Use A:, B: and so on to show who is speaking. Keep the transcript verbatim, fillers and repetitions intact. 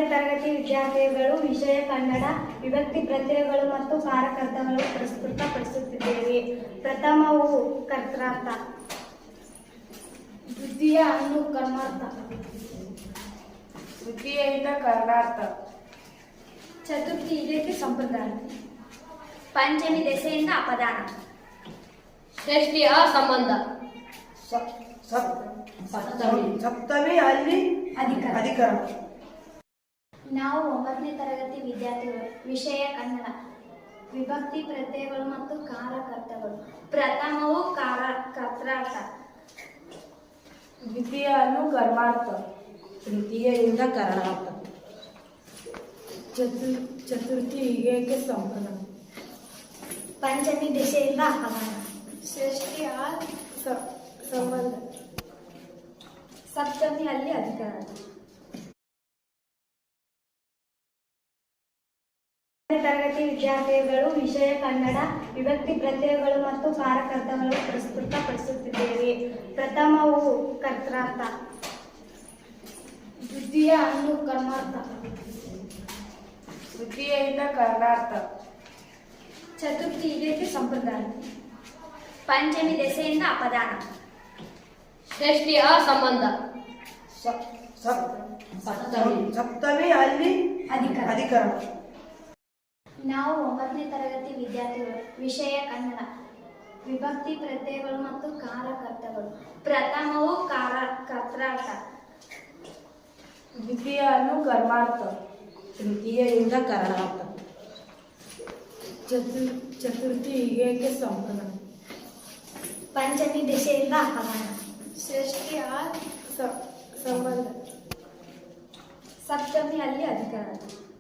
A: ತರಗತಿ ವಿದ್ಯಾರ್ಥಿಗಳು ವಿಷಯ ಕನ್ನಡ ವಿಭಕ್ತಿ ಪ್ರತ್ಯಯಗಳು ಮತ್ತು ಕಾರಕರ್ತಗಳು ಪ್ರಸ್ತುತಪಡಿಸುತ್ತಿದ್ದೇವೆ. ಪ್ರಥಮವು ಕರ್ತಾರ್ಥ, ದ್ವಿತೀಯ ಅನುಕರ್ಮಾರ್ಥ,
B: ತೃತೀಯದಿಂದ ಕರ್ಣಾರ್ಥ,
A: ಚತುರ್ಥಿ ಇದಕ್ಕೆ ಸಂಪ್ರದಾಯ, ಪಂಚಮಿ ದೆಸೆಯಿಂದ ಅಪದಾನ,
C: ಷಷ್ಠಿ ಅಸಂಬಂಧ,
B: ಸಪ್ತಮಿ ಅಲ್ಲಿ
A: ಅಧಿಕಾರ.
B: ಅಧಿಕಾರ.
A: ನಾವು ಒಂಬತ್ತನೇ ತರಗತಿ ವಿದ್ಯಾರ್ಥಿಗಳು ವಿಷಯ ಕನ್ನಡ ವಿಭಕ್ತಿ ಪ್ರತ್ಯಯಗಳು ಮತ್ತು ಕಾರಕರ್ತಗಳು. ಪ್ರಥಮವು ಕಾರ ಕರ್ತಾರ್ಥ,
B: ದ್ವಿತೀಯ ಅನುಕರ್ಮಾರ್ಥ,
C: ತೃತೀಯದಿಂದ ಕರ್ಣಾರ್ಥ,
B: ಚತು ಚತುರ್ಥಿ ಹೀಗೆ ಸಂಪ್ರದಾಯ,
A: ಪಂಚಮಿ ದೆಸೆಯಿಂದ ಅಪದಾನ,
B: ಷಷ್ಠಿ ಆ ಸಂಬಂಧ,
A: ಸಪ್ತಮಿ ಅಲ್ಲಿ ಅಧಿಕಾರ. ತರಗತಿ ವಿದ್ಯಾರ್ಥಿಗಳು ವಿಷಯ ಕನ್ನಡ ವಿಭಕ್ತಿ ಪ್ರತ್ಯಯಗಳು ಮತ್ತು ಕಾರಕರ್ತಗಳು ಪ್ರಸ್ತುತಪಡಿಸುತ್ತಿದ್ದೇವೆ. ಪ್ರಥಮವು ಕರ್ತಾರ್ಥ, ದ್ವಿತೀಯ ಅನುಕರ್ಮಾರ್ಥ,
B: ತೃತೀಯದಿಂದ ಕರ್ಣಾರ್ಥ,
A: ಚತುರ್ಥಿ ಇದಕ್ಕೆ ಸಂಪ್ರದಾಯ, ಪಂಚಮಿ ದೆಸೆಯಿಂದ ಅಪದಾನ,
C: ಷಷ್ಠಿ ಅಸಂಬಂಧ,
B: ಸಪ್ತಮಿ ಸಪ್ತಮಿ ಅಲ್ಲಿ
A: ಅಧಿಕಾರ.
B: ಅಧಿಕಾರ.
A: ನಾವು ಒಂಬತ್ತನೇ ತರಗತಿ ವಿದ್ಯಾರ್ಥಿಗಳು ವಿಷಯ ಕನ್ನಡ ವಿಭಕ್ತಿ ಪ್ರತ್ಯಯಗಳು ಮತ್ತು ಕಾರಕರ್ತಗಳು. ಪ್ರಥಮವು ಕಾರ ಕರ್ತಾರ್ಥ,
B: ದ್ವಿತೀಯ ಅನುಕರ್ಮಾರ್ಥ,
C: ತೃತೀಯದಿಂದ ಕರ್ಣಾರ್ಥ,
B: ಚತು ಚತುರ್ಥಿ ಹೀಗೆ ಸಂಪ್ರದಾಯ,
A: ಪಂಚಮಿ ದೆಸೆಯಿಂದ ಅಪದಾನ,
B: ಷಷ್ಠಿ ಆ ಸಂಬಂಧ,
A: ಸಪ್ತಮಿ ಅಲ್ಲಿ ಅಧಿಕಾರ.